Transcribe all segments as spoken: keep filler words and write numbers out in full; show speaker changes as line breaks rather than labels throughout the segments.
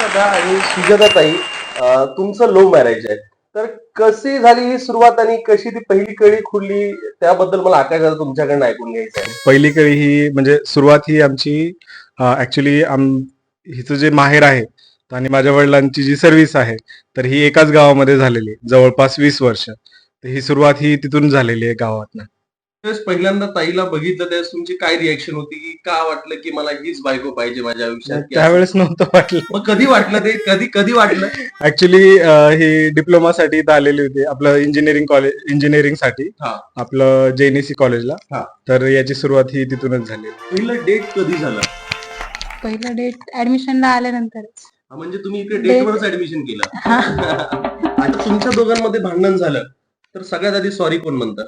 दादा आणि सुजाताताई, अ, तुमचं लव्ह मॅरेज आहे. तर कशी झाली ही सुरुवात आणि कशी ती पहिली कळी खुलली त्याबद्दल मला आकाश दादा तुमच्याकडनं ऐकून घ्यायचं आहे.
पहिली कळी ही म्हणजे सुरुवात ही आमची ऍक्च्युली आम हिचं जे माहेर आहे आणि माझ्या वडिलांची जी सर्व्हिस आहे तर ही एकाच गावामध्ये झालेली आहे जवळपास वीस वर्ष. तर ही सुरुवात ही तिथून झालेली आहे गावातनं.
त्यावेळेस पहिल्यांदा ताईला बघितलं त्यावेळेस तुमची काय रिएक्शन होती की का वाटलं की मला हीच बायको पाहिजे माझ्या आयुष्यात की असं?
त्यावेळेस नव्हतं वाटलं.
मग कधी वाटलं ते कधी कधी वाटलं?
ऍक्च्युली ही डिप्लोमासाठी इथं आलेली होती आपलं इंजिनिअरिंग कॉलेज इंजिनिअरिंगसाठी
हा
आपलं जेएनईसी कॉलेजला.
हा
तर याची सुरुवात ही तिथूनच झाली.
पहिलं डेट कधी झालं?
पहिलं डेट ऍडमिशनला आल्यानंतरच.
हा, म्हणजे तुम्ही इकडे
Date-
डेटवरच ऍडमिशन केलं. आता तुमच्या दोघांमध्ये भांडण झालं तर सगळ्यात आधी सॉरी कोण म्हणतं?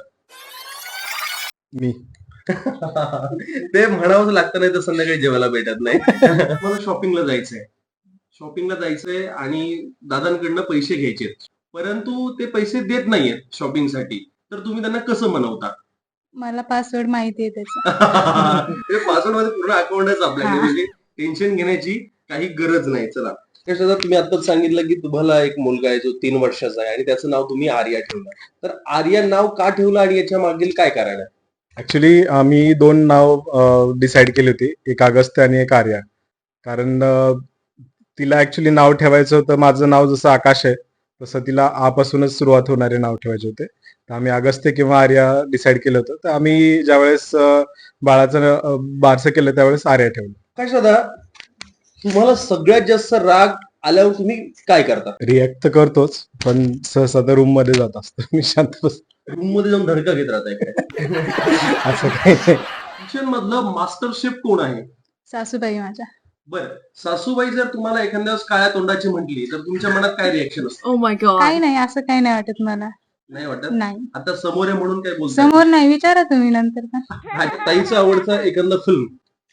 मी
ते म्हणावंच लागतं, नाही तर संध्याकाळी जेवायला भेटत नाही. मला शॉपिंगला जायचंय शॉपिंगला जायचंय आणि दादांकडनं पैसे घ्यायचे, परंतु ते पैसे देत नाहीयेत शॉपिंगसाठी, तर तुम्ही त्यांना कसं मनवता?
मला पासवर्ड माहिती आहे त्याचा.
ते पासवर्ड मध्ये पूर्ण अकाउंटच आपल्याकडे,
हा.
म्हणजे टेन्शन घेण्याची काही गरज नाही. चला कसं, तुम्ही आताच सांगितलं की तुम्हाला एक मुलगा आहे जो तीन वर्षाचा आहे आणि त्याचं नाव तुम्ही आर्या ठेवलं. तर आर्या नाव का ठेवलं आणि याच्या मागील काय कारण आहे?
ऍक्च्युली आम्ही दोन नाव डिसाईड केली होती, एक अगस्त्य आणि एक आर्या. कारण अ, तिला ऍक्च्युली नाव ठेवायचं होतं, माझं नाव जसं आकाश आहे तसं तिला आपासूनच सुरुवात होणारे नाव ठेवायचे होते. तर आम्ही अगस्त्य किंवा आर्या डिसाईड केलं होतं. तर आम्ही ज्यावेळेस अ, बाळाचं अ, बारसं केलं त्यावेळेस आर्या ठेवलं.
काय दादा, तुम्हाला सगळ्यात जास्त राग आल्यावर तुम्ही काय करता?
रिॲक्ट तर करतोच, पण सहसा तर रूम मध्ये जात असतो मी शांत बस.
रूम मध्ये जाऊन धडका घेत राहताय काय?
असं काही नाही.
किचन मधलं मास्टर शेफ कोण आहे?
सासूबाई माझ्या.
बर, सासूबाई जर तुम्हाला एखाद्या वेळेस काळ्या तोंडाची म्हटली तर तुमच्या मनात काय रिएक्शन असतं?
Oh my god.
काही नाही, असं काही नाही वाटत मला.
नाही वाटत?
नाही,
आता समोर आहे म्हणून काय बोलताय?
समोर नाही, विचारा तुम्ही नंतर का.
हा, ताईचा आवडता एखादा फिल्म?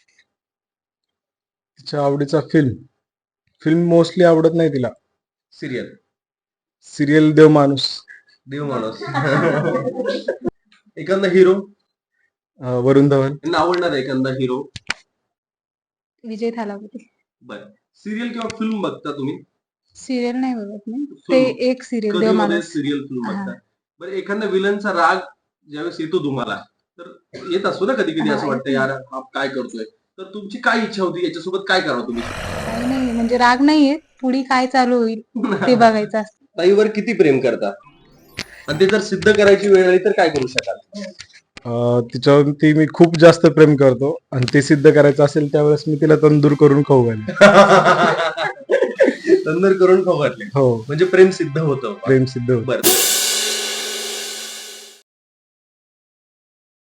तिच्या आवडीचा फिल्म फिल्म मोस्टली आवडत नाही तिला.
सिरियल?
सिरियल देव माणूस.
देव माणूस. एखादा हिरो?
अं, वरुण धवन.
यांना आवडणार एखादा हिरो?
विजय थालापती.
बर, सिरियल किंवा फिल्म बघता तुम्ही?
सिरियल नाही बघत मी. ते एक सिरियल देव माणूस.
सिरियल फिल्म
हा.
बघता. बरं, एखादा विलनचा राग ज्यावेळेस येतो तुम्हाला, तर येत असतो ना कधी कधी, असं
हा,
वाटतं यार हा काय करतोय, तर तुमची काय इच्छा होती याच्यासोबत काय करावं तुम्ही?
काही नाही, म्हणजे राग नाहीये, पुढे काय चालू होईल ते बघायचं असतं.
ताईवर किती प्रेम करता आणि ते जर सिद्ध करायची वेळ आली तर काय करू शकाल?
अं, तिच्यावरती मी खूप जास्त प्रेम करतो आणि ते सिद्ध करायचं असेल त्यावेळेस मी तिला तंदूर करून खाऊ घालेन.
तंदूर करून खाऊ घातले
हो,
म्हणजे प्रेम सिद्ध होतं.
प्रेम सिद्ध होतं.
बरं,